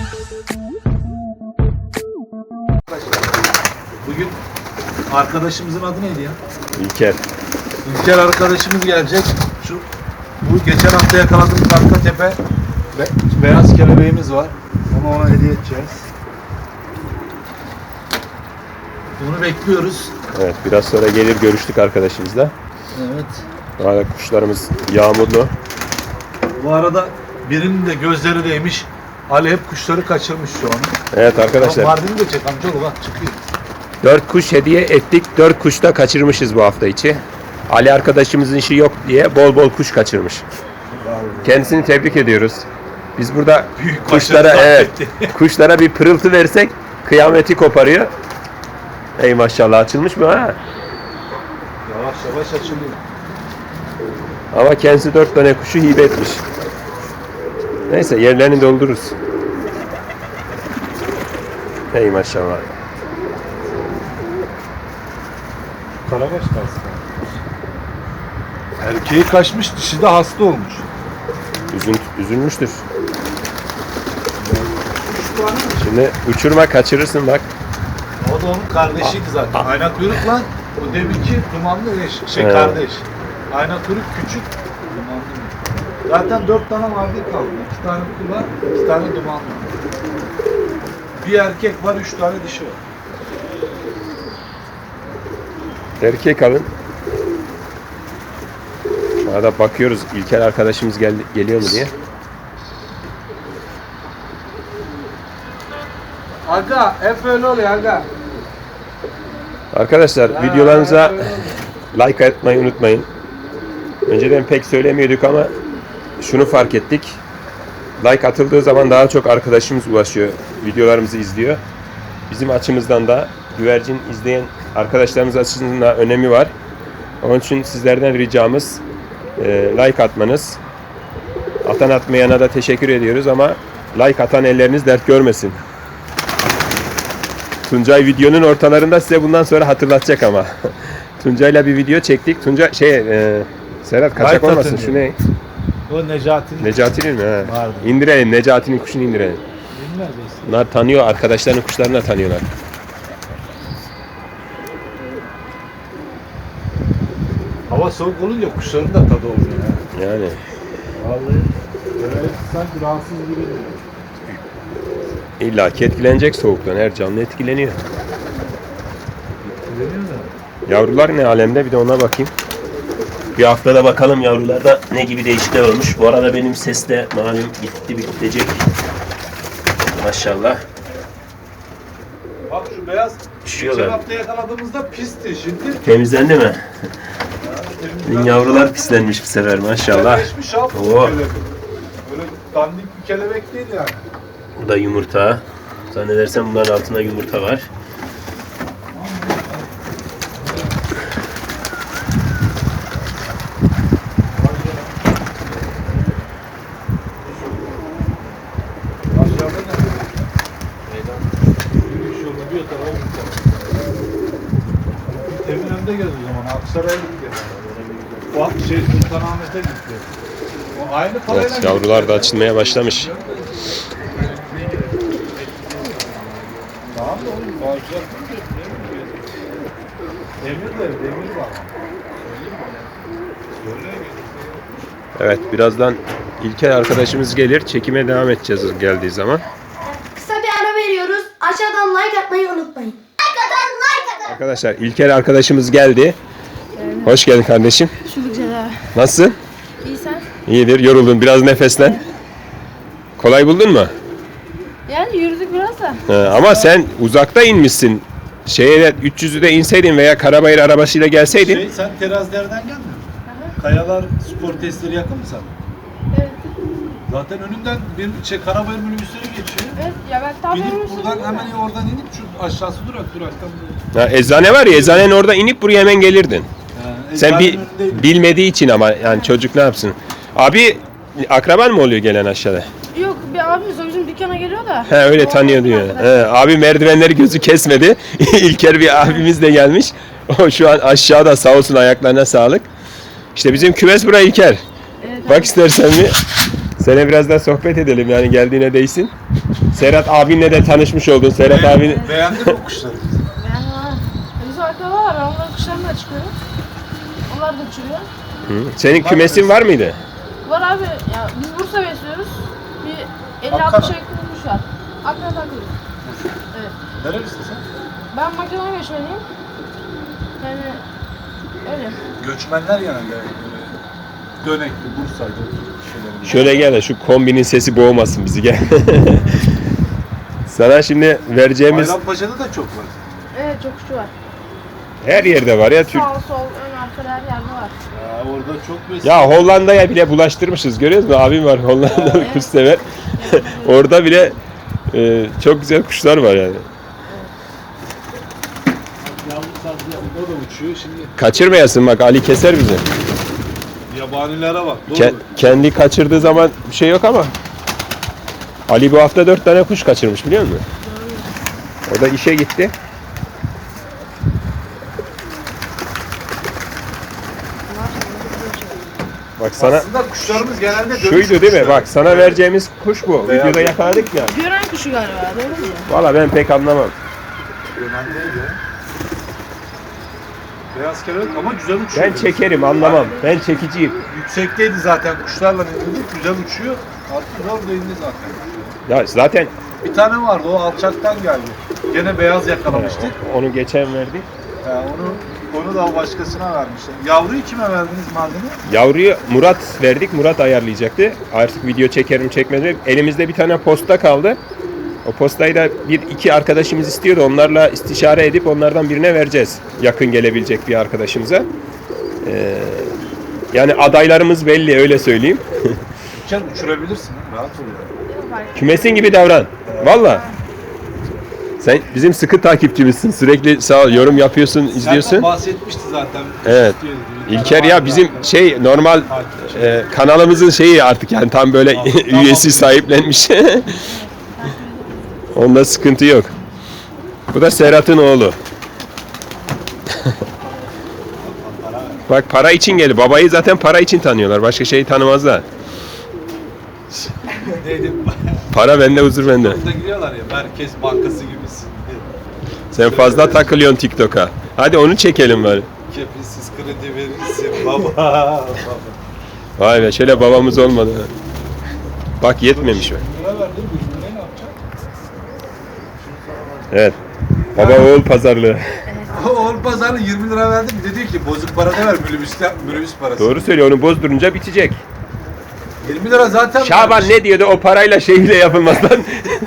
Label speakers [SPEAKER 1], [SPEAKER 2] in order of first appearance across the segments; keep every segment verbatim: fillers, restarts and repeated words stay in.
[SPEAKER 1] Bugün arkadaşımızın adı neydi ya?
[SPEAKER 2] İlker.
[SPEAKER 1] İlker arkadaşımız gelecek. Şu bu geçen hafta yakaladığımız arka tepe ve beyaz kelebeğimiz var. Onu ona hediye edeceğiz. Bunu bekliyoruz.
[SPEAKER 2] Evet, biraz sonra gelir, görüştük arkadaşımızla.
[SPEAKER 1] Evet.
[SPEAKER 2] Bu arada kuşlarımız yağmurlu.
[SPEAKER 1] Bu arada birinin de gözleri değmiş. Ali hep kuşları kaçırmış şu an.
[SPEAKER 2] Evet arkadaşlar.
[SPEAKER 1] Mardin'i de çek amcaoğlu, bak çıkıyor.
[SPEAKER 2] Dört kuş hediye ettik. Dört kuş da kaçırmışız bu hafta içi. Ali arkadaşımızın işi yok diye bol bol kuş kaçırmış. Kendisini tebrik ediyoruz. Biz burada
[SPEAKER 1] Büyük
[SPEAKER 2] kuşlara
[SPEAKER 1] başarı
[SPEAKER 2] evet,
[SPEAKER 1] etti.
[SPEAKER 2] kuşlara bir pırıltı versek kıyameti koparıyor. Ey maşallah, açılmış mı ha?
[SPEAKER 1] Yavaş yavaş açılıyor.
[SPEAKER 2] Ama kendisi dört tane kuşu hibe etmiş. Neyse, yerlerini doldururuz. Ey maşallah.
[SPEAKER 1] Karabaş kalsın. Erkeği kaçmış, dişi de hasta olmuş.
[SPEAKER 2] Üzün, üzülmüştür. Şimdi uçurma, kaçırırsın bak.
[SPEAKER 1] O da onun kardeşiydi zaten. Ayna kuyruk lan. O deminki dumanlı eş, şey
[SPEAKER 2] Evet.
[SPEAKER 1] kardeş. Ayna kuyruk küçük, dumanlı. Zaten dört tane vardı kaldı. İki tane kul var, iki tane dumanlı. Bir erkek var, üç tane dişi var.
[SPEAKER 2] Erkek alın. Arada bakıyoruz İlker arkadaşımız geldi, geliyor mu diye.
[SPEAKER 1] Aga, hep öyle oluyor aga.
[SPEAKER 2] Arkadaşlar
[SPEAKER 1] Ha,
[SPEAKER 2] videolarımıza
[SPEAKER 1] hep öyle oluyor.
[SPEAKER 2] like atmayı unutmayın. Önceden pek söylemiyorduk ama şunu fark ettik. Like atıldığı zaman daha çok arkadaşımız ulaşıyor, videolarımızı izliyor. Bizim açımızdan da güvercin izleyen arkadaşlarımız açısından da önemi var. Onun için sizlerden ricamız e, like atmanız. Atan atmayana da teşekkür ediyoruz ama like atan elleriniz dert görmesin. Tuncay videonun ortalarında size bundan sonra hatırlatacak ama. Tuncay'la bir video çektik. Tuncay şey e, Serhat kaçak
[SPEAKER 1] Like
[SPEAKER 2] olmasın
[SPEAKER 1] atın
[SPEAKER 2] şu
[SPEAKER 1] diyor.
[SPEAKER 2] ne?
[SPEAKER 1] O Necati'nin.
[SPEAKER 2] Necati'nin mi? Ha.
[SPEAKER 1] Vardı.
[SPEAKER 2] İndirelim. Necati'nin kuşunu indirelim.
[SPEAKER 1] Bilmez misin?
[SPEAKER 2] Bunlar tanıyor. Arkadaşlarının kuşlarını da tanıyorlar.
[SPEAKER 1] Hava soğuk olunca kuşların da tadı oluyor ya.
[SPEAKER 2] Yani.
[SPEAKER 1] Vallahi böyle sanki rahatsız gibi.
[SPEAKER 2] İlla ki etkilenecek soğuktan. Her canlı etkileniyor.
[SPEAKER 1] Etkileniyor da.
[SPEAKER 2] Yavrular ne alemde? Bir de ona bakayım. Bir haftada bakalım yavrularda ne gibi değişiklikler olmuş. Bu arada benim ses de malum gitti bitecek. Maşallah.
[SPEAKER 1] Bak şu beyaz
[SPEAKER 2] Üşüyorlar.
[SPEAKER 1] geçen hafta yakaladığımızda pisti şimdi.
[SPEAKER 2] Temizlendi mi?
[SPEAKER 1] Yani
[SPEAKER 2] Yavrular pislenmiş bu sefer maşallah.
[SPEAKER 1] Güzelleşmiş abi bu
[SPEAKER 2] Oo.
[SPEAKER 1] kelebek. Böyle dandik bir kelebek değil yani.
[SPEAKER 2] Bu da yumurta. Zannedersem bunların altında yumurta var.
[SPEAKER 1] Aşağıda ne? Yürüyüş yolunda bir o tarafa bir tarafa. Eminönü'nde gez o zaman. Aksaray'a git. O şey Sultanahmet'e gitti. O aynı parayla
[SPEAKER 2] Evet, yavrular da açılmaya başlamış.
[SPEAKER 1] Tamam da oğlum bağışlar. Demirler, demir var.
[SPEAKER 2] Evet, birazdan İlker arkadaşımız gelir. Çekime devam edeceğiz geldiği zaman.
[SPEAKER 3] Kısa bir ara veriyoruz. Aşağıdan like atmayı unutmayın. Like atın, like atın.
[SPEAKER 2] Arkadaşlar İlker arkadaşımız geldi. Hoş geldin kardeşim.
[SPEAKER 4] Şunu güzel abi.
[SPEAKER 2] Nasılsın?
[SPEAKER 4] İyi sen?
[SPEAKER 2] İyidir. Yoruldun. Biraz nefeslen. Kolay buldun mu?
[SPEAKER 4] Yani yürüdük biraz da.
[SPEAKER 2] He, ama sen uzakta inmişsin. Şeye üç yüzü de inseydin veya Karabayır arabasıyla gelseydin.
[SPEAKER 1] Şey, sen terazilerden gelmiyor musun? Kayalar spor testleri yakın mı sana?
[SPEAKER 4] Evet.
[SPEAKER 1] Zaten önünden bir şey Karabayır minibüsleri geçiyor.
[SPEAKER 4] Evet ya ben tam
[SPEAKER 1] Binip
[SPEAKER 4] yorulmuşum
[SPEAKER 1] buradan
[SPEAKER 4] değil
[SPEAKER 1] hemen
[SPEAKER 4] mi?
[SPEAKER 1] oradan inip şu aşağısı durak duraktan böyle.
[SPEAKER 2] Ha, eczane var ya, eczanenin orada inip buraya hemen gelirdin.
[SPEAKER 1] Ha,
[SPEAKER 2] Sen bir
[SPEAKER 1] eczanenin önündeydim.
[SPEAKER 2] bilmediği için ama yani çocuk ne yapsın? Abi akraban mı oluyor gelen aşağıda?
[SPEAKER 4] Yok bir abimiz o bizim dükkana geliyor da.
[SPEAKER 2] He öyle
[SPEAKER 4] O-
[SPEAKER 2] tanıyor diyor.
[SPEAKER 4] o-
[SPEAKER 2] He, abi merdivenleri gözü kesmedi. İlker bir abimiz de gelmiş. O şu an aşağıda, sağ olsun, ayaklarına sağlık. İşte bizim kümes buraya İlker.
[SPEAKER 4] Evet,
[SPEAKER 2] Bak istersen bir. Sana biraz daha sohbet edelim yani geldiğine değsin. Serhat abinle de tanışmış oldun. Serhat abin
[SPEAKER 1] Beğendin mi kuşları?
[SPEAKER 4] Yani ha. Bizim akrabalar var. Onların kuşlarına da çıkıyor. Onlar da uçuruyor.
[SPEAKER 2] Hı. Senin kümesin var mıydı?
[SPEAKER 4] Var abi. Ya biz Bursa besliyoruz. Bir elli
[SPEAKER 1] Ankara.
[SPEAKER 4] altmış yakın kuş var. Akraba takıyoruz. Evet.
[SPEAKER 1] Nerelisin sen?
[SPEAKER 4] Ben Makedon göçmeniyim. Yani öyle.
[SPEAKER 1] Göçmenler genelde böyle Dönekli, Bursa'ydı. şeylerin.
[SPEAKER 2] Şöyle gel de şu kombinin sesi boğmasın bizi gel. Sana şimdi vereceğimiz
[SPEAKER 1] Bayrampaşa'da da çok var.
[SPEAKER 4] Evet çok kuşu var.
[SPEAKER 2] her yerde var ya Türk.
[SPEAKER 4] Sağ sol ön arka her yerde var.
[SPEAKER 1] Ya orada çok besin.
[SPEAKER 2] Ya Hollanda'ya bile bulaştırmışız görüyor musun? Abim var Hollandalı kuş sever. Orada bile e, çok güzel kuşlar var yani.
[SPEAKER 1] Yavru sazlı o da uçuyor. Şimdi
[SPEAKER 2] Kaçırmayasın bak Ali keser bizi.
[SPEAKER 1] yabanilere bak. Doğru.
[SPEAKER 2] Ke- kendi kaçırdığı zaman bir şey yok ama Ali bu hafta dört tane kuş kaçırmış biliyor musun? O da işe gitti. Bak sana
[SPEAKER 1] Aslında kuşlarımız genelde dönüş
[SPEAKER 2] şuydu değil mi?
[SPEAKER 1] kuşları.
[SPEAKER 2] Bak sana vereceğimiz kuş bu.
[SPEAKER 1] Beyaz.
[SPEAKER 2] Videoda yakaladık ya.
[SPEAKER 4] Gören kuşu galiba doğru mu?
[SPEAKER 2] Valla ben pek anlamam.
[SPEAKER 1] Önemli değil ya. Beyaz kelebek ama güzel uçuyor.
[SPEAKER 2] Ben çekerim anlamam. Ben çekiciyim.
[SPEAKER 1] Yüksekteydi zaten kuşlarla indirdik. Güzel uçuyor. Artık zor da indi zaten.
[SPEAKER 2] Ya zaten
[SPEAKER 1] Bir tane vardı o alçaktan geldi. Gene beyaz yakalamıştık.
[SPEAKER 2] onu geçen verdik.
[SPEAKER 1] He, onu onu da o başkasına vermişler. Yavruyu kime verdiniz madeni?
[SPEAKER 2] Yavruyu Murat verdik. Murat ayarlayacaktı. Artık video çekerim çekmez mi? Elimizde bir tane posta kaldı. O postayı da bir iki arkadaşımız istiyordu. Onlarla istişare edip onlardan birine vereceğiz. Yakın gelebilecek bir arkadaşımıza. Ee, yani adaylarımız belli öyle söyleyeyim.
[SPEAKER 1] Uçan uçurabilirsin. Rahat ol ya.
[SPEAKER 2] Kümesin gibi davran. Valla. Sen bizim sıkı takipçimizsin. Sürekli sağ ol, yorum yapıyorsun, izliyorsun.
[SPEAKER 1] Serkan bahsetmişti zaten.
[SPEAKER 2] Evet.
[SPEAKER 1] İstiyordu.
[SPEAKER 2] İlker ya bizim şey normal e, kanalımızın şeyi artık yani tam böyle
[SPEAKER 1] Tamam,
[SPEAKER 2] üyesi
[SPEAKER 1] tamam.
[SPEAKER 2] sahiplenmiş. Onda sıkıntı yok. Bu da Serhat'ın oğlu. Bak para için geldi. Babayı zaten para için tanıyorlar. Başka şeyi tanımazlar.
[SPEAKER 1] Neydi?
[SPEAKER 2] Para bende, huzur bende.
[SPEAKER 1] Burada giriyorlar ya Merkez Bankası gibisin.
[SPEAKER 2] Sen fazla takılıyorsun TikTok'a. Hadi onu çekelim bari.
[SPEAKER 1] Kefilsiz kredi verirsin baba. baba.
[SPEAKER 2] Vay be şöyle babamız olmadı. Bak yetmemiş mi?
[SPEAKER 1] Lira verdim. yüz lirayı ne yapacağım?
[SPEAKER 2] Evet. Baba oğul pazarlığı.
[SPEAKER 1] Oğul pazarı yirmi lira verdim. Bir de diyor ki bozuk para da ver minibüste, minibüs parası.
[SPEAKER 2] Doğru söylüyor. Onu bozdurunca bitecek.
[SPEAKER 1] yirmi lira zaten
[SPEAKER 2] Şaban
[SPEAKER 1] vermiş.
[SPEAKER 2] ne diyordu? O parayla şey bile yapılmaz lan.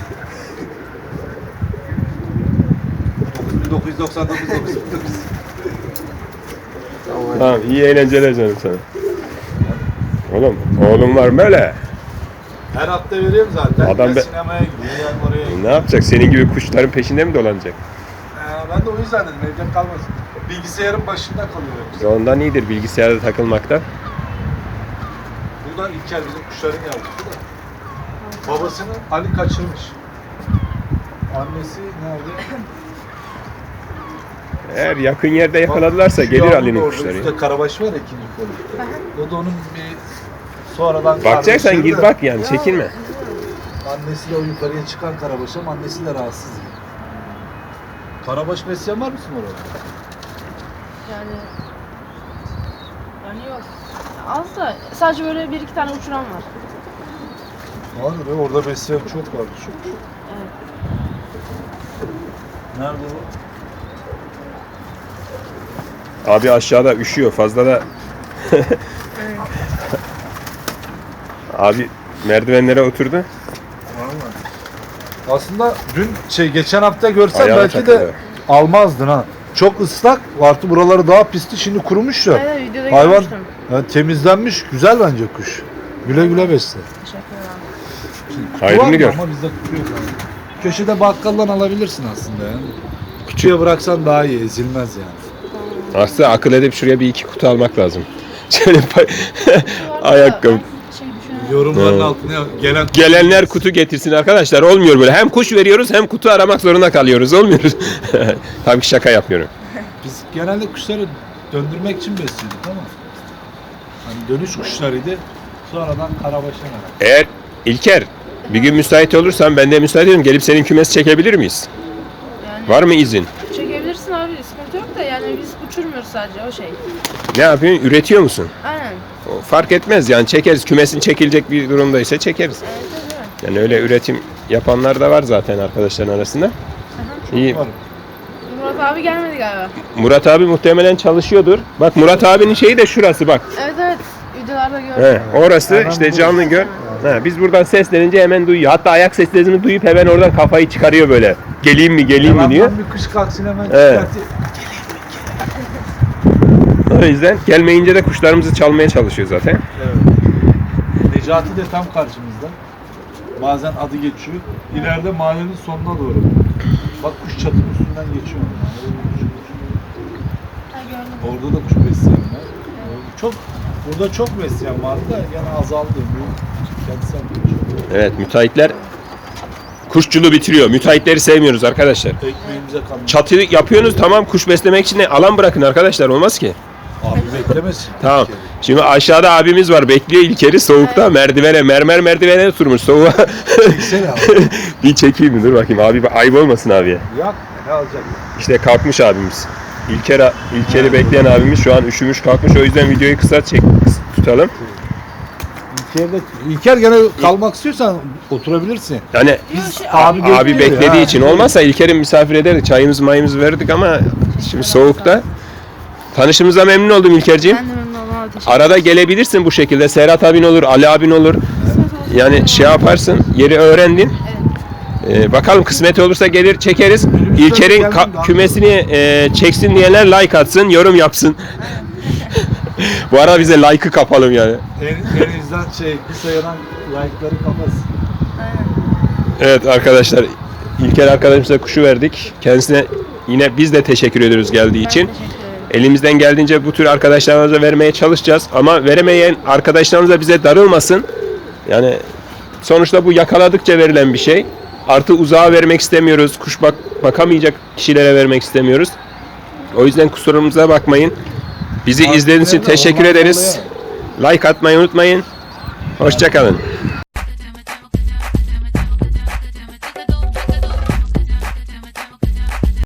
[SPEAKER 1] dokuz bin dokuz yüz doksan dokuz dokuz bin dokuz yüz.
[SPEAKER 2] Tamam iyi eğlenceler canım sana. Oğlum oğlum var böyle.
[SPEAKER 1] Her hafta veriyorum zaten.
[SPEAKER 2] Adam
[SPEAKER 1] Ya
[SPEAKER 2] be-
[SPEAKER 1] sinemaya gidiyor, yani oraya gidiyor.
[SPEAKER 2] Ne yapacak? Senin gibi kuşların peşinde mi dolanacak?
[SPEAKER 1] Ee, ben de o yüzden dedim evde kalmasın. Bilgisayarın başında kalıyor.
[SPEAKER 2] İşte ondan iyidir bilgisayarda takılmakta.
[SPEAKER 1] Bu da İlker bizim kuşların yavrusu da. Babasını Ali kaçırmış. Annesi nerede?
[SPEAKER 2] Eğer yakın yerde yakaladılarsa
[SPEAKER 1] Şu
[SPEAKER 2] gelir
[SPEAKER 1] yavru
[SPEAKER 2] Ali'nin
[SPEAKER 1] da orada,
[SPEAKER 2] kuşları.
[SPEAKER 1] Üstte karabaş var ya ikinci kolu. O da onun bir sonradan
[SPEAKER 2] Bakacaksan
[SPEAKER 1] kardeşi
[SPEAKER 2] gir
[SPEAKER 1] de-
[SPEAKER 2] bak yani çekinme.
[SPEAKER 1] Annesi de o yukarıya çıkan karabaş ama annesi de rahatsız. Karabaş besleyen var mısın orada?
[SPEAKER 4] Yani yani yok. Az da sadece böyle bir iki tane uçuran var.
[SPEAKER 1] Vardır ya orada besleyen çok vardı çok çok.
[SPEAKER 4] Evet.
[SPEAKER 1] Nerede o?
[SPEAKER 2] Abi aşağıda üşüyor fazla da. Abi merdivenlere oturdu.
[SPEAKER 1] Vallahi. Aslında dün şey geçen hafta görsen
[SPEAKER 2] Ayağına
[SPEAKER 1] belki
[SPEAKER 2] takılıyor.
[SPEAKER 1] de almazdın ha. Çok ıslak, artı buraları daha pisti, şimdi kurumuş ya.
[SPEAKER 4] Evet videoda
[SPEAKER 1] Hayvan
[SPEAKER 4] görmüştüm.
[SPEAKER 1] yani temizlenmiş, güzel bence kuş. Güle güle besle.
[SPEAKER 4] Teşekkür ederim.
[SPEAKER 1] Kutu var
[SPEAKER 2] Hayrını
[SPEAKER 1] mı?
[SPEAKER 2] gör.
[SPEAKER 1] Ama bizde kutu yok abi. Köşede bakkaldan alabilirsin aslında ya. Kutuya bıraksan daha iyi, ezilmez yani.
[SPEAKER 2] Aslında akıl edip şuraya bir iki kutu almak lazım. Şöyle pa-
[SPEAKER 4] Bu arada
[SPEAKER 2] ayakkabı.
[SPEAKER 4] ben Şey düşünüyorum.
[SPEAKER 1] Yorumların
[SPEAKER 2] Evet.
[SPEAKER 1] altına gelen
[SPEAKER 2] Gelenler kutu getirsin arkadaşlar. Olmuyor böyle. Hem kuş veriyoruz hem kutu aramak zorunda kalıyoruz. Olmuyor. Tabii ki şaka yapmıyorum.
[SPEAKER 1] biz genelde kuşları döndürmek için besliyorduk ama hani dönüş kuşlarıydı. Sonradan Karabaş'a merak.
[SPEAKER 2] Eğer İlker bir gün müsait olursan ben de müsait ederim. Gelip senin kümesi çekebilir miyiz?
[SPEAKER 4] Yani
[SPEAKER 2] Var mı izin?
[SPEAKER 4] çekebilirsin abi, sıkıntı yok da yani biz uçurmuyoruz sadece o şey.
[SPEAKER 2] Ne yapıyorsun? Üretiyor musun?
[SPEAKER 4] Aynen.
[SPEAKER 2] O fark etmez yani çekeriz. Kümesin çekilecek bir durumdaysa çekeriz.
[SPEAKER 4] Evet, evet, evet.
[SPEAKER 2] Yani öyle üretim yapanlar da var zaten arkadaşların arasında. İyi.
[SPEAKER 1] Var.
[SPEAKER 4] Murat abi gelmedi galiba.
[SPEAKER 2] Murat abi muhtemelen çalışıyordur. Bak Murat abinin şeyi de şurası bak.
[SPEAKER 4] Evet evet. Videolarda gördüm.
[SPEAKER 2] He, orası
[SPEAKER 1] Hemen
[SPEAKER 2] işte
[SPEAKER 1] bu-
[SPEAKER 2] canlı gör. He, biz buradan seslenince hemen duyuyor. Hatta ayak seslerini duyup hemen oradan kafayı çıkarıyor böyle. Geleyim mi geleyim mi diyor.
[SPEAKER 1] Yalandan bir kış kalksın hemen
[SPEAKER 2] Evet.
[SPEAKER 1] çıkartıyor.
[SPEAKER 2] O yüzden gelmeyince de kuşlarımızı çalmaya çalışıyor zaten.
[SPEAKER 1] Evet. Necati de tam karşımızda. Bazen adı geçiyor. İleride mahallenin sonuna doğru. Bak kuş çatının üstünden geçiyor.
[SPEAKER 4] Ha, gördüm.
[SPEAKER 1] Orada da kuş besleyen var. Çok, burada çok besleyen vardı da yani azaldı. Bu kentsel geçiyor.
[SPEAKER 2] Evet müteahhitler kuşçuluğu bitiriyor. Müteahhitleri sevmiyoruz arkadaşlar.
[SPEAKER 1] Ekmeğimize kalmış.
[SPEAKER 2] Çatı yapıyorsunuz tamam kuş beslemek için de alan bırakın arkadaşlar olmaz ki.
[SPEAKER 1] Abi beklemesin.
[SPEAKER 2] Tamam. Şimdi aşağıda abimiz var bekliyor İlker'i soğukta merdivene mermer merdivene oturmuş soğuğa.
[SPEAKER 1] Çeksene abi.
[SPEAKER 2] Bir çekeyim mi dur bakayım abi ayıp olmasın abiye.
[SPEAKER 1] Yak ne alacak?
[SPEAKER 2] İşte kalkmış abimiz. İlker İlker'i bekleyen abimiz şu an üşümüş kalkmış o yüzden videoyu kısa çek tutalım.
[SPEAKER 1] İlker'de, İlker gene kalmak istiyorsan oturabilirsin.
[SPEAKER 2] Yani
[SPEAKER 4] Yok, şey,
[SPEAKER 1] Abi,
[SPEAKER 2] abi
[SPEAKER 1] bekliyor
[SPEAKER 2] beklediği
[SPEAKER 1] ya.
[SPEAKER 2] için olmazsa İlker'in misafir ederdik çayımızı mayımızı verdik ama şimdi soğukta. Tanışımıza memnun oldum İlker'ciğim.
[SPEAKER 4] Ben de memnun oldum abi, teşekkür
[SPEAKER 2] Arada gelebilirsin bu şekilde. Serhat abin olur, Ali abin olur.
[SPEAKER 4] ederim.
[SPEAKER 2] Yani şey yaparsın, yeri öğrendin. Ee, bakalım kısmet olursa gelir çekeriz. İlker'in ka- kümesini e, çeksin diyenler like atsın, yorum yapsın. Bu ara bize like'ı kapalım yani.
[SPEAKER 1] En, en izlen şey kısa yanan like'ları kapatsın.
[SPEAKER 4] Aynen.
[SPEAKER 2] Evet arkadaşlar, İlker arkadaşımıza kuşu verdik. Kendisine yine biz de teşekkür ediyoruz geldiği için.
[SPEAKER 4] Ben teşekkür ederim.
[SPEAKER 2] Elimizden geldiğince bu tür arkadaşlarımıza vermeye çalışacağız. Ama veremeyen arkadaşlarımız da bize darılmasın. Yani sonuçta bu yakaladıkça verilen bir şey. Artı uzağa vermek istemiyoruz. Kuş bak bakamayacak kişilere vermek istemiyoruz. O yüzden kusurumuza bakmayın. Bizi izlediğiniz için teşekkür ederiz. Like atmayı unutmayın. Hoşça kalın.